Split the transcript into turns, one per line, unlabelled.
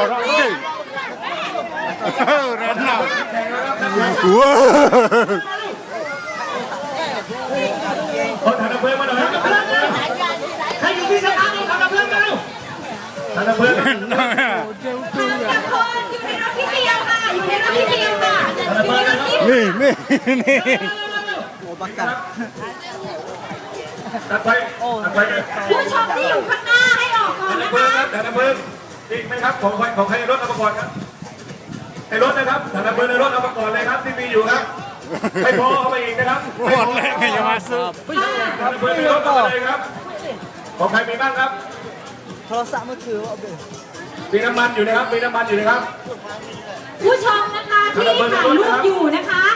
đó cái rắn nào wow
คนถังดับเพลิงมาหน่อยครับใครอยู่ที่สถานีถังดับเพลิงมาเร็วถังดับเพลิง
ทุกคนอยู่ในรถพี่เดียวค่ะอยู่ในรถพี่เดียวค่ะอยู่ในรถพี่
นี่
ตัดไฟตัดไฟเลย
ผู้ชมที่อยู่ข้างหน้าให้ออกก่อน
ถังดั
นะ
บเพลิง
คะ
ครับถังดับเพลิงอีกไหมครับของใครในรถเอามาก่อนครับในรถนะครับถังดับเพลิงในรถเอามาก่อนเลยครับที่มีอยู่ครับไม่พอเอาไปอีกนะครับ
หมดเลยอย่ามาซื้อ
ถังดับเพลิงในรถเอามาเลยครับของใครมีบ้างครับ
โทรศัพท์มือถือเอาไป
มีน้ำมันอยู่นะครับมีน้ำมันอยู่นะครับ
ผู้ชมนะคะที่ถ่ายรูปอยู่นะคะ